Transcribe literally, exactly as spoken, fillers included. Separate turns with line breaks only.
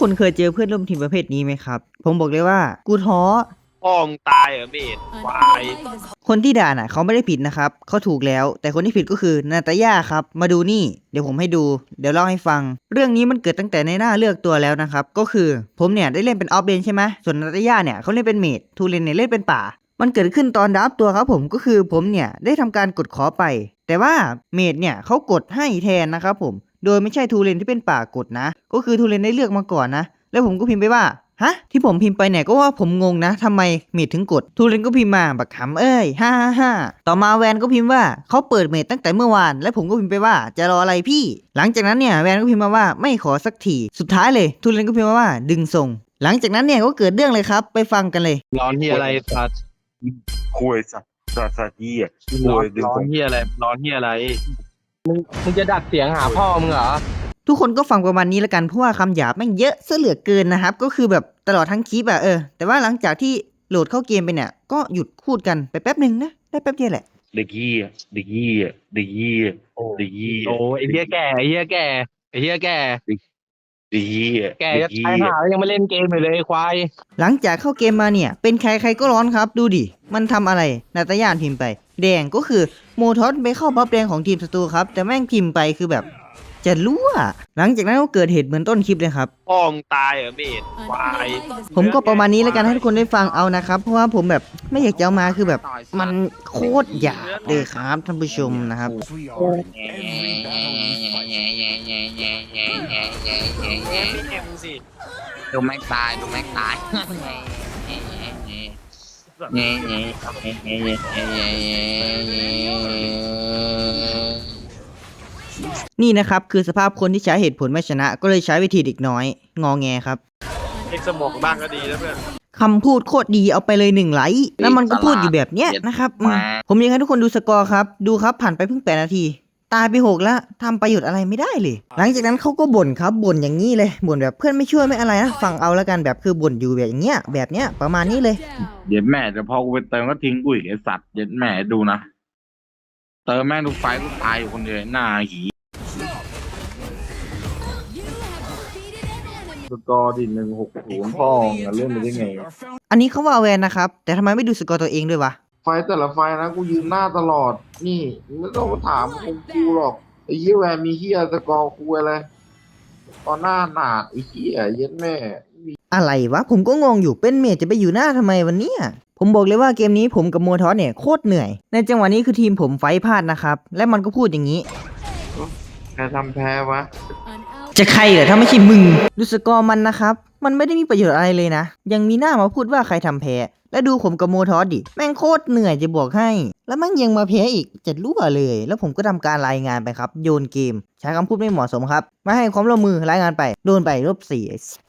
คนเคยเจอเพื่อนร่วมทีมประเภทนี้ไหมครับผมบอกเลยว่ากูท้อ
พ่อมึงตายเหรอเมดควาย
คนที่ด่าน่ะเขาไม่ได้ผิดนะครับเขาถูกแล้วแต่คนที่ผิดก็คือนาตาย่าครับมาดูนี่เดี๋ยวผมให้ดูเดี๋ยวเล่าให้ฟังเรื่องนี้มันเกิดตั้งแต่ในหน้าเลือกตัวแล้วนะครับก็คือผมเนี่ยได้เล่นเป็นออฟเลนใช่ไหมส่วนนาตาย่าเนี่ยเขาเล่นเป็นเมจทูเลนเนี่ยเล่นเป็นป่ามันเกิดขึ้นตอนดับตัวครับผมก็คือผมเนี่ยได้ทำการกดขอไปแต่ว่าเมจเนี่ยเขากดให้แทนนะครับผมโดยไม่ใช่ทูเลนที่เป็นป่ากดนะก็คือทูเลนได้เลือกมาก่อนนะแล้วผมก็พิมพ์ไปว่าฮะที่ผมพิมพ์ไปเนี่ยก็ว่าผมงงนะทำไมเมดถึงกดทูเรนก็พิมพ์มาบักขำเอ้ยฮ่าฮ่าฮ่าต่อมาแวนก็พิมพ์ว่าเขาเปิดเมดตั้งแต่เมื่อวานและผมก็พิมพ์ไปว่าจะรออะไรพี่หลังจากนั้นเนี่ยแวนก็พิมพ์มาว่าไม่ขอสักทีสุดท้ายเลยทูเรนก็พิมพ์มาว่าดึงส่งหลังจากนั้นเนี่ยก็เกิดเรื่องเลยครับไปฟังกันเลย
ร้อนที่อะไรสัตว์
คุยสัตว์สัตว์สัตว์ยี่อ่ะคุ
ร้อน
ยดึง
ร้อ
ผ
น
ม
ที่อะไรร้อนที่อะไรมึงมึงจะดัดเสียงหาพ่อมึงเหรอ
ทุกคนก็ฟังประมาณนี้แล้วกันเพราะว่าคำหยาบแม่งเยอะซะเหลือเกินนะครับก็คือแบบตลอดทั้งคลิปอะเออแต่ว่าหลังจากที่โหลดเข้าเกมไปเนี่ยก็หยุดพูดกันไปแป๊บหนึ่งนะได้แป๊บเดียวแหละ
เด็กยี่อ่ะเด็กยี่อ่ะเด็กยี่อ่ะเด็กยี่
โอ้ไอ้เหี้ยแก่ไอ้เหี้ยแก่ไอ้เหี้ยแก่
เด็กยี่อ่ะ
แก่
เด็
จะ
ก
ตาย
ยี่
หาแล้วยังไม่เล่นเกมอยู่เลยไอ้ควาย
หลังจากเข้าเกมมาเนี่ยเป็นใครใครก็ร้อนครับดูดิมันทำอะไรนาตาย่านพิมพ์ไปแดงก็คือโมทอสไปเข้าบัฟแดงของทีมศัตรูครับแต่แม่งพิมพ์ไปคือแบบจะรั่วหลังจากนั้นก็เกิดเหตุเหมือนต้นคลิปเลยครับ
พ่อมึงตายเหรอเมดควาย
ผมก็ประมาณนี้แล้วกันให้ทุกคนได้ฟังเอานะครับเพราะว่าผมแบบไม่อยากจะเอามาคือแบบมันโคตรหยาบเลยครับท่านผู้ชมนะครับ
ดูแม็กตายดูแม็กตายเงี้ยเงี้ยเงี้ยเงี้ยเงี้ยเงี้ยเงี้ย
นี่นะครับคือสภาพคนที่ใช้เหตุผลไม่ชนะก็เลยใช้วิธีเด็กน้อยงอแงครับ
เอ็กสมองบ้างก็ดีนะเพื่อน
คำพูดโคตรดีเอาไปเลยหนึ่งไลค์แล้วมันก็พูดอยู่แบบเนี้ยนะครับผมอยากให้ทุกคนดูสกอร์ครับดูครับผ่านไปเพิ่งแปดนาทีตายไปหกแล้วทำประโยชน์อะไรไม่ได้เลยหลังจากนั้นเขาก็บ่นครับบ่นอย่างนี้เลยบ่นแบบเพื่อนไม่ช่วยไม่อะไรนะฟังเอาแล้วกันแบบคือบ่นอยู่แบบอย่างเงี้ยแบบเนี้ยประมาณนี้เลย
เย็ดแม่แต่พอกูไปเติมก็ทิ้งกูอีกไอสัตว์เย็ดแม่ดูนะเติมแม่งทุกไฟกูตายอยู่คนเดียวหน้าหีสกอร์ดิหนึ่งหกศูนย์พ่อเล่นไปได้ไง
อันนี้เขาว่าแวนนะครับแต่ทำไมไม่ดูสกอร์ตัวเองด้วยวะ
ไฟแต่ละไฟนะกูยืนหน้าตลอดนี่ไม่ต้องมาถามกูหรอกไอ้เหี้ยแวนมีเหี้ยสกอร์กูอะไรตอนหน้าหนาดไอ้เหี้ยเย็ดแม่
อะไรวะผมก็งงอยู่เป็นเมจจะไปอยู่หน้าทำไมวันนี้ผมบอกเลยว่าเกมนี้ผมกับโมทอสเนี่ยโคตรเหนื่อยในจังหวะนี้คือทีมผมไฟพลาดนะครับและมันก็พูดอย่างนี้
ใครทำแพ้วะ
จะใครเหรอถ้าไม่ใช่มึงดูสกอร์มันนะครับมันไม่ได้มีประโยชน์อะไรเลยนะยังมีหน้ามาพูดว่าใครทำแพ้แล้วดูผมกับโมทอสดิแม่งโคตรเหนื่อยจะบอกให้แล้วแม่งยังมาแพ้อีกจะรั่วเลยแล้วผมก็ทำการรายงานไปครับโยนเกมใช้คำพูดไม่เหมาะสมครับไม่ให้ความร่วมมือรายงานไปโดนไปลบสี่